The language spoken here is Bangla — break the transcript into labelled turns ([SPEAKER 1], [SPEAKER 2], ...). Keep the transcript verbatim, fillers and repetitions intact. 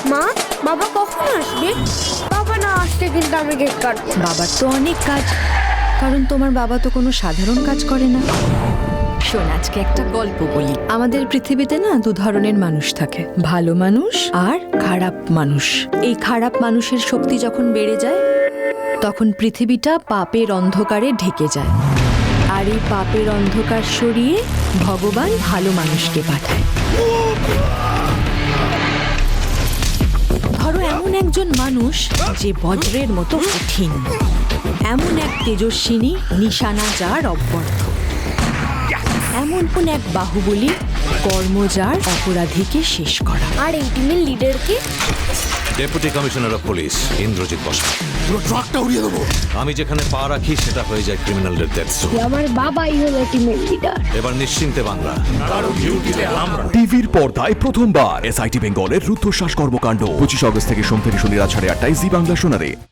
[SPEAKER 1] মা, বাবা কখন আসবে? বাবা না আসতে কিন্তু আমি কেক কাটবো।
[SPEAKER 2] বাবার তো অনেক কাজ, কারণ তোমার বাবা তো কোনো সাধারণ কাজ করে না। শোন, আজকে একটা গল্প বলি। আমাদের পৃথিবীতে না দু ধরনের মানুষ থাকে, ভালো মানুষ আর খারাপ মানুষ। এই খারাপ মানুষের শক্তি যখন বেড়ে যায় তখন পৃথিবীটা পাপের অন্ধকারে ঢেকে যায়, আর এই পাপের অন্ধকার সরিয়ে ভগবান ভালো মানুষকে পাঠায়। ধরো এমন একজন মানুষ যে বজ্রের মতো কঠিন, এমন এক তেজস্বিনী নিশানা যার অব্যর্থ, এমন কোন এক বাহুবলী কর্মজার অপরাধীকে শেষ করা।
[SPEAKER 1] আর এই টিমের লিডার কে?
[SPEAKER 3] Deputy commissioner of police Indrajit বসা।
[SPEAKER 4] পুরো ট্রাকটা উড়িয়ে দেবো।
[SPEAKER 3] আমি যেখানে পা রাখি সেটা হয়ে যায় ক্রিমিনালদের ডেথ জোন।
[SPEAKER 1] আমার বাবাই হলো টিমের লিডার।
[SPEAKER 3] এবার নিশ্চিন্তে বাংলা।
[SPEAKER 5] টিভির পর্দায় প্রথমবার এসআইটি বেঙ্গলের রুদ্ধশ্বাস কর্মকাণ্ড পঁচিশ অগস্ট থেকে সোম থেকে শনি রাত সাড়ে আটটায় জি বাংলা শোনারে।